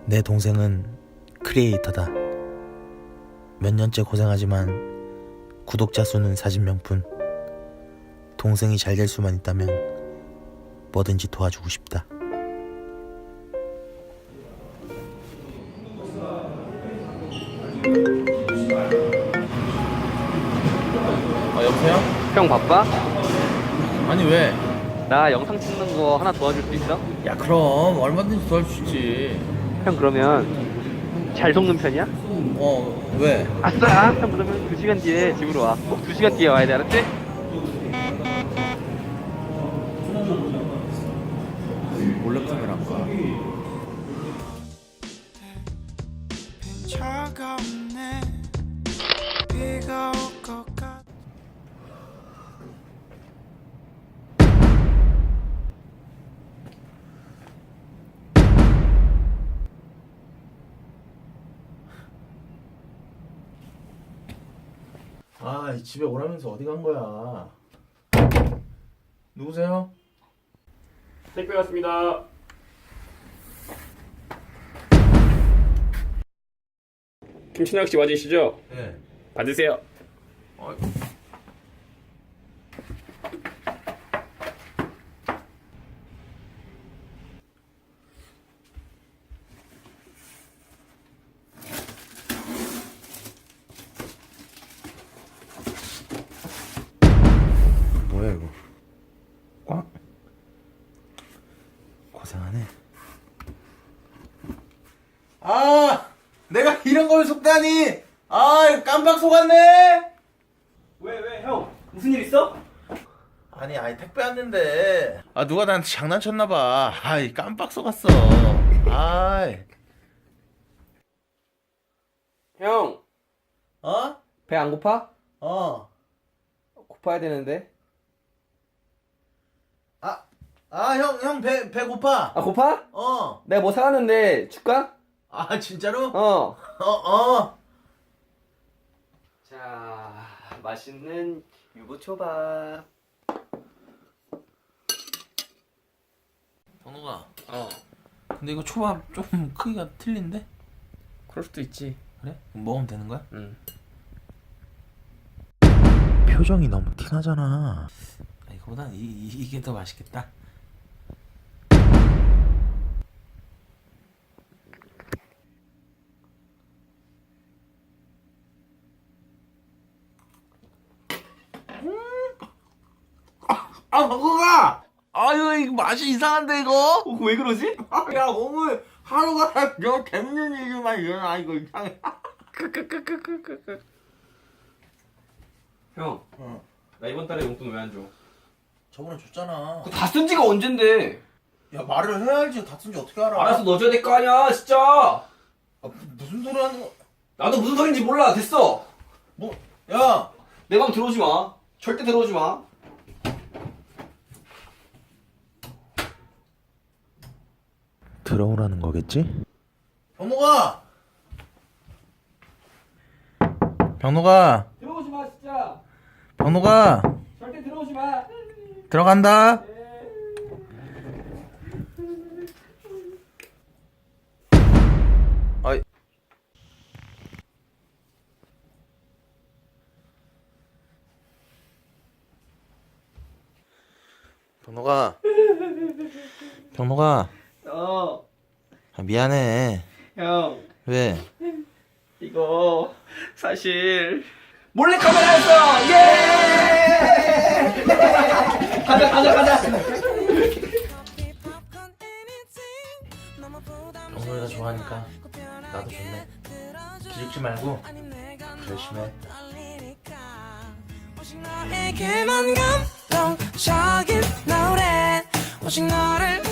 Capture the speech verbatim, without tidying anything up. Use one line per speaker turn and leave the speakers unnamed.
내 동생은 크리에이터다. 몇 년째 고생하지만 구독자 수는 사십 명뿐. 동생이 잘 될 수만 있다면 뭐든지 도와주고 싶다.
아 여보세요?
형 바빠?
아니 왜?
나 영상 찍는 거 하나 도와줄 수 있어?
야 그럼 얼마든지 도와줄 수 있지.
형 그러면 잘 속는 편이야?
어 왜?
아싸! 형 그러면 두 시간 뒤에 집으로 와. 꼭 두 시간 뒤에 와야 돼, 알았지?
몰래카메라인가?
차갑네 비가 올 것 같아.
아 집에 오라면서 어디 간 거야? 누구세요?
택배 왔습니다. 김신학 씨 맞으시죠?
네.
받으세요.
어,
뭐야 이거? 꽝? 고생하네.
아 내가 이런 걸 속다니. 아 이거 깜빡 속았네.
왜, 왜, 형? 무슨 일 있어?
아니 아니 택배 왔는데 아 누가 나한테 장난쳤나봐. 아이 깜빡 속았어. 아이
형!
어?
배 안 고파?
어.
고파야 되는데.
아, 아, 형, 형, 배, 배고파.
아, 고파?
어.
내가 뭐 사왔는데 줄까?
아, 진짜로?
어.
어, 어.
자, 맛있는 유부초밥.
번호가.
어.
근데 이거 초밥 좀 크기가 틀린데?
그럴 수도 있지.
그래? 그럼 먹으면 되는 거야?
응.
표정이 너무 티나잖아.
아, 이거보단 이, 이, 이게 더 맛있겠다. 아, 번호가! 아, 이거, 이거 맛이 이상한데, 이거?
어, 왜 그러지?
아, 야, 오늘 하루가 너 재밌는 일만 일어나, 이거 이상해.
형,
어.
나 이번 달에 용돈 왜 안 줘?
저번에 줬잖아.
다 쓴 지가 언젠데?
야, 말을 해야지. 다 쓴지 어떻게 알아?
알아서 넣어줘야 될 거 아니야, 진짜!
아, 무슨 소리 하는 거?
나도 무슨 소린지 몰라, 됐어!
뭐, 야!
내 방 들어오지 마. 절대 들어오지 마.
들어오라는 거겠지?
병노가! 병노가!
들어오지 마, 진짜!
병노가!
절대 들어오지 마!
들어간다! 아이. 병노가! 병노가!
어,
아, 미안해.
형,
왜?
이거, 사실, 몰래카메라였어! 예! 가자, 가자, 가자!
병노이가 좋아하니까 나도 좋네. 기죽지 말고 열심히 해.
오직 너에게만 감동적인 노래 오직 너를